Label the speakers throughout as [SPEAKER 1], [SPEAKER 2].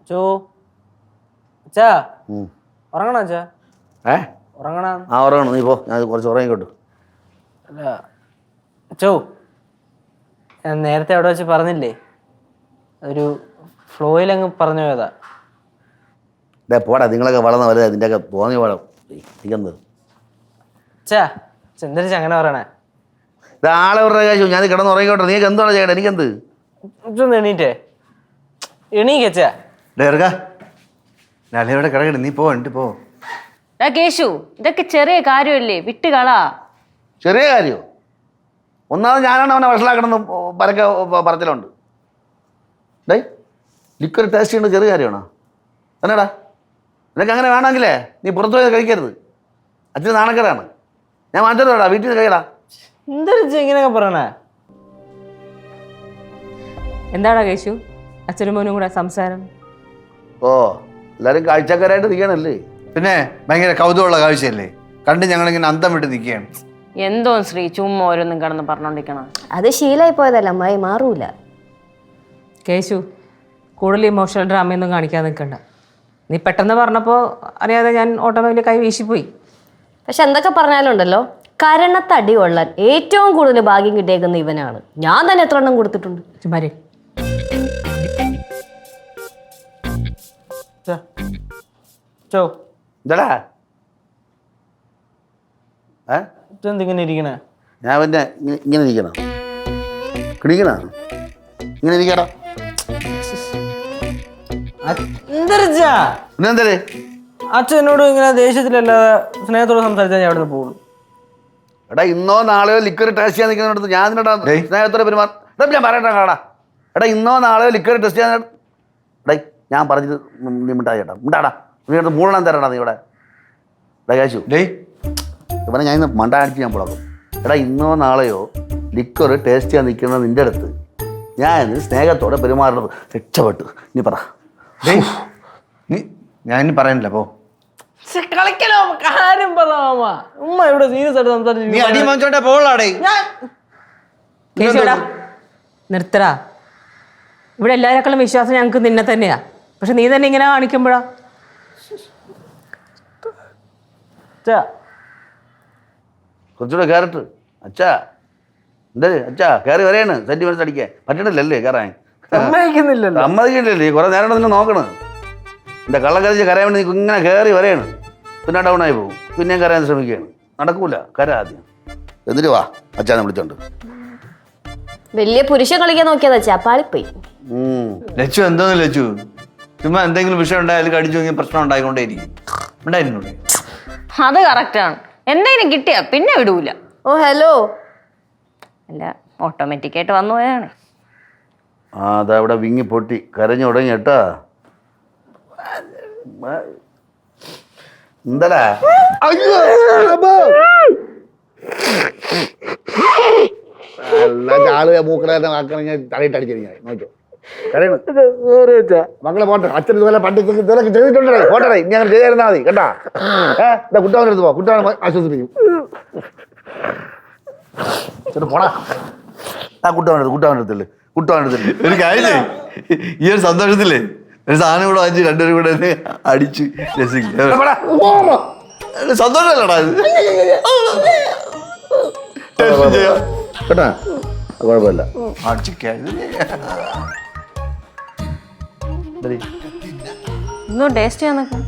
[SPEAKER 1] ചോ അച്ഛാ ഉറങ്ങണോ അച്ഛാ? ഉറങ്ങണ?
[SPEAKER 2] ആ ഉറങ്ങണം, നീ പോ, ഞാൻ കുറച്ച് ഉറങ്ങിക്കോട്ടു.
[SPEAKER 1] അല്ല ചോ, ഞാൻ നേരത്തെ അവിടെ വെച്ച് പറഞ്ഞില്ലേ, ഒരു ഫ്ലോയിലങ്ങ് പറഞ്ഞു പോയതാ.
[SPEAKER 2] പോടാ, നിങ്ങളൊക്കെ വളർന്ന വലുത് അതിൻ്റെയൊക്കെ തോന്നി വേണം ഇരിക്കുന്നത്.
[SPEAKER 1] അച്ഛാ ചെന്തരിച്ച് അങ്ങനെ പറയണേ?
[SPEAKER 2] ഇത് ആളെ പറഞ്ഞ കാശു, ഞാൻ കിടന്ന് ഉറങ്ങിക്കോട്ടെ, നീക്ക് എന്താണ് ചെയ്യട്ടെ, എനിക്കെന്ത്?
[SPEAKER 1] ഇതൊന്ന് എണീറ്റേ, എണീക്കച്ചാ.
[SPEAKER 3] ഇവിടെ കിടക്കട്ടെ, നീ പോ, എന്നിട്ട് പോ.
[SPEAKER 4] കേശു, ഇതൊക്കെ ചെറിയ കാര്യമല്ലേ, വിട്ടുകളാ.
[SPEAKER 2] ചെറിയ കാര്യമോ? ഒന്നാമത് ഞാനാണ് അവനെ വഷളാക്കണമെന്ന് പരക്കെ പറച്ചിലുണ്ട്. ഡേ, ലിക്വർ ടേസ്റ്റ് ചെയ്യേണ്ട ചെറിയ കാര്യമാണോ? എന്നാടാ, നിനക്ക് അങ്ങനെ വേണമെങ്കിലേ നീ പുറത്തു പോയി കഴിക്കരുത്. അച്ഛന് നാണക്കേടാണ്. ഞാൻ മാറ്റോടാ, വീട്ടിൽ നിന്ന് കഴിയടാ.
[SPEAKER 1] എന്തരിച്ച ഇങ്ങനെയൊക്കെ പറയണേ?
[SPEAKER 5] എന്താടാ കേശു അച്ഛനും മോനും കൂടെ സംസാരം?
[SPEAKER 2] ഓ, എല്ലാവരും കാഴ്ചക്കാരായിട്ട് നിൽക്കണല്ലേ?
[SPEAKER 3] പിന്നെ ഭയങ്കര കൗതുകമുള്ള കാഴ്ചയല്ലേ, കണ്ട് ഞങ്ങളിങ്ങനെ അന്തം വിട്ട് നിൽക്കുകയാണ്.
[SPEAKER 4] എന്തോ ശ്രീ ചുമ്മാ ഓരോന്നും കിടന്ന് പറഞ്ഞോണ്ടിരിക്കണം.
[SPEAKER 6] അത് ശീലമായി പോയതല്ല അമ്മായി, മാറൂല.
[SPEAKER 5] കേശു കൂടുതൽ ഇമോഷണൽ ഡ്രാമയൊന്നും കാണിക്കാൻ നിൽക്കണ്ട. നീ പെട്ടെന്ന് പറഞ്ഞപ്പോൾ അറിയാതെ ഞാൻ ഓട്ടോമാറ്റിക്കലി കൈ വീശിപ്പോയി.
[SPEAKER 6] പക്ഷെ എന്തൊക്കെ പറഞ്ഞാലും ഉണ്ടല്ലോ, കരണത്തടി കൊള്ളാൻ ഏറ്റവും കൂടുതൽ ഭാഗ്യം കിട്ടിയേക്കുന്ന ഇവനാണ്. ഞാൻ തന്നെ എത്ര എണ്ണം കൊടുത്തിട്ടുണ്ട്.
[SPEAKER 5] ചുമ്മാരി
[SPEAKER 1] ചോ
[SPEAKER 2] എന്താടാ
[SPEAKER 1] ഇതെന്തിങ്ങനെ ഇരിക്കണേ?
[SPEAKER 2] ഞാൻ പിന്നെ ഇങ്ങനെ ഇരിക്കണം, കിണിക്കണ ഇങ്ങനെ ഇരിക്കടാ.
[SPEAKER 1] എന്തരിച്ചാ
[SPEAKER 2] പിന്നെന്തേ
[SPEAKER 1] അച്ഛനോട് ഇങ്ങനെ ദേഷ്യത്തിലല്ലാതെ സ്നേഹത്തോട് സംസാരിച്ചാൽ ഞാൻ അവിടെ നിന്ന് പോകും.
[SPEAKER 2] എടാ, ഇന്നോ നാളെയോ ലിക്വർ ടേസ്റ്റ് ചെയ്യാൻ നിൽക്കുന്നിടത്ത് ഞാൻ നിന്നോടാ സ്നേഹത്തോടെ പെരുമാറും. ഞാൻ പറയട്ടെ കാടാ, എടാ ഇന്നോ നാളെയോ ലിക്വർ ടെസ്റ്റ് ചെയ്യാൻ എടേ ഞാൻ പറഞ്ഞത് നീ മിണ്ടായി ചേട്ടാ, മിണ്ടാടാ. നീ അടുത്ത് മൂന്നെണ്ണം തരടാ നീ ഇവിടെ. എടാ കാശു, ഇവനെ ഞാൻ ഇന്ന് മണ്ടാടിച്ച് ഞാൻ പുളക്കും. എടാ ഇന്നോ നാളെയോ ലിക്വർ ടേസ്റ്റ് ചെയ്യാൻ നിൽക്കുന്നത് നിൻ്റെ അടുത്ത് ഞാൻ സ്നേഹത്തോടെ പെരുമാറുന്നത് രക്ഷപ്പെട്ടു. നീ പറ.
[SPEAKER 3] നീ ഞാൻ ഇനി പറയാനില്ല, പോ.
[SPEAKER 1] കളിക്കലോ, കാര്യം പറയാമ. ഉമ്മ ഇവിടെ സീരിയസ് ആയിട്ട് സംസാരിച്ചു.
[SPEAKER 3] നീ അടി വാങ്ങിച്ചോട്ടെ പോളാടേ.
[SPEAKER 5] കേശുടാ നിർത്തടാ. ഇവിടെ എല്ലാവരെക്കാളും വിശ്വാസം ഞങ്ങൾക്ക് നിന്നെ തന്നെയാ. പക്ഷെ നീ തന്നെ ഇങ്ങനെ കാണിക്കുമ്പോഴാ.
[SPEAKER 2] കുറച്ചുകൂടെ കയറിട്ട് അച്ഛാ, എന്താ അച്ഛാ കയറി വരെയാണ് സെന്റിമെന്റ്സ് അടിക്കാൻ പറ്റണില്ലല്ലേ കയറാൻ?
[SPEAKER 1] സമ്മതിക്കുന്നില്ലല്ലോ.
[SPEAKER 2] സമ്മതിക്കില്ലല്ലേ, കുറെ നേരം നിന്നെ നോക്കണം. എൻ്റെ കള്ളം കരച്ച് കരയാൻ വേണ്ടി നീ ഇങ്ങനെ കയറി വരെയാണ്, പിന്നെ ഡൗൺ ആയി പോകും. പിന്നെയും കരയാൻ ശ്രമിക്കുകയാണ്, നടക്കൂല. കര ആദ്യം, എന്നിട്ട് വാ അച്ഛനെ വിളിച്ചോണ്ട്.
[SPEAKER 6] വലിയ പുരുഷൻ കളിക്കാൻ നോക്കിയതാ ചാപ്പാളിപ്പോയി.
[SPEAKER 3] ലച്ചു എന്തോന്ന് ലച്ചു, ചുമ്മാ എന്തെങ്കിലും വിഷയം ഉണ്ടായാലും കടിച്ചു നോക്കിയ പ്രശ്നം ഉണ്ടായിക്കൊണ്ടേയിരിക്കും. ഉണ്ടായിരുന്നുള്ളൂ.
[SPEAKER 4] അത് കറക്റ്റാണ്. എന്തെങ്കിലും കിട്ടിയാ പിന്നെ വിടൂല.
[SPEAKER 6] ഓ ഹലോ.
[SPEAKER 4] അല്ല, ഓട്ടോമാറ്റിക്കായിട്ട് വന്നു പോയാണ്.
[SPEAKER 2] ആ അതവിടെ വിങ്ങി പൊട്ടി കരഞ്ഞു തുടങ്ങി കേട്ടാ. എന്താടാ ആള് മൂക്കണ തലയിട്ട് അടിച്ചിരിക്കാൻ നോക്കിയോ മക്കളെ പോട്ടെ. അച്ഛൻ ഇതുപോലെ പണ്ട് ഇതൊക്കെ ചെയ്തിട്ടുണ്ടേ, പോട്ടെ. ഇനി അങ്ങനെ ചെയ്തിരുന്നാ മതി കേട്ടാ. കുട്ടവൻ്റെ അടുത്ത് പോ, കുട്ടവനെ ആശ്വസിപ്പിക്കും. പോടാ, ആ കുട്ടവൻ്റെ അടുത്തല്ലേ, കുട്ടവൻ്റെ അടുത്തല്ലേ.
[SPEAKER 3] ഒരു കാര്യമില്ലേ, ഈ ഒരു സന്തോഷത്തില്ലേ ഒരു സാധനം കൂടെ വാങ്ങിച്ച് രണ്ടുപേരും കൂടെ അടിച്ച് രസിക്കും. സന്തോഷമല്ലടാ
[SPEAKER 2] കേട്ടാ, കുഴപ്പമില്ല.
[SPEAKER 4] ഇന്നും ടേസ്റ്റ് ചെയ്യാൻ നിൽക്കാം.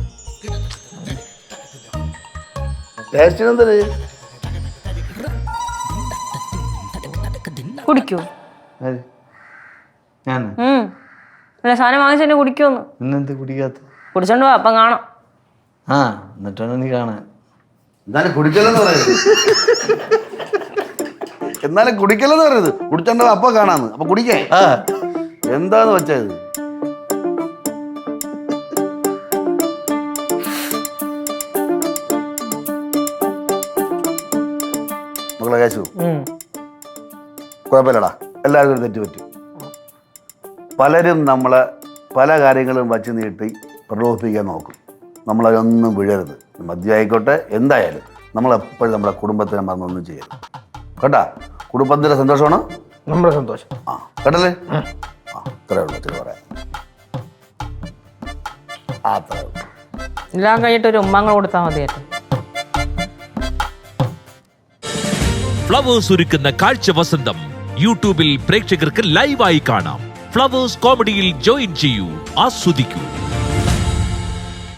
[SPEAKER 2] ടേസ്റ്റിനെന്തേ
[SPEAKER 4] കുടിക്കൂ.
[SPEAKER 3] ഞാൻ
[SPEAKER 4] അല്ല, സാധനം വാങ്ങിച്ചു തന്നെ കുടിക്കുമെന്ന്.
[SPEAKER 3] ഇന്നെന്ത് കുടിക്കാത്ത?
[SPEAKER 4] കുടിച്ചോണ്ട് പോവാ, അപ്പം കാണാം.
[SPEAKER 3] ആ എന്നിട്ടാണ് നീ കാണാൻ.
[SPEAKER 2] എന്നാലും കുടിക്കലെന്ന് പറയുന്നത്, എന്നാലും കുടിക്കലെന്ന് പറയുന്നത് കുടിച്ചോണ്ടോ അപ്പൊ കാണാന്ന്. അപ്പൊ കുടിക്കേ എന്താന്ന് വെച്ചാ ഇത് മക്കളെ കേശു, കുഴപ്പമില്ലടാ, എല്ലാവർക്കും ഒരു തെറ്റ് പറ്റും. പലരും നമ്മളെ പല കാര്യങ്ങളും വച്ച് നീട്ടി പ്രലോഭിപ്പിക്കാൻ നോക്കും. നമ്മളതൊന്നും വീഴരുത്. മദ്യമായിക്കോട്ടെ എന്തായാലും നമ്മളെപ്പോഴും നമ്മുടെ കുടുംബത്തിനെ മറന്നൊന്നും ചെയ്യരുത് കേട്ടാ. കുടുംബത്തിൻ്റെ സന്തോഷമാണ്
[SPEAKER 1] നമ്മുടെ സന്തോഷം.
[SPEAKER 2] ആ കേട്ടല്ലേ? ആ അത്രേ ഉള്ളൂ, ഇത്തിരി പറയാം. അത്ര
[SPEAKER 5] എല്ലാം കഴിഞ്ഞിട്ട് ഒരു ഉമ്മങ്ങൾ കൊടുത്താൽ മതിയായിരുന്നു.
[SPEAKER 7] ഫ്ലവേഴ്സ് ഒരുക്കുന്ന കാഴ്ച വസന്തം യൂട്യൂബിൽ പ്രേക്ഷകർക്ക് ലൈവായി കാണാം. ഫ്ലവേഴ്സ് കോമഡിയിൽ ജോയിൻ ചെയ്യൂ, ആസ്വദിക്കൂ.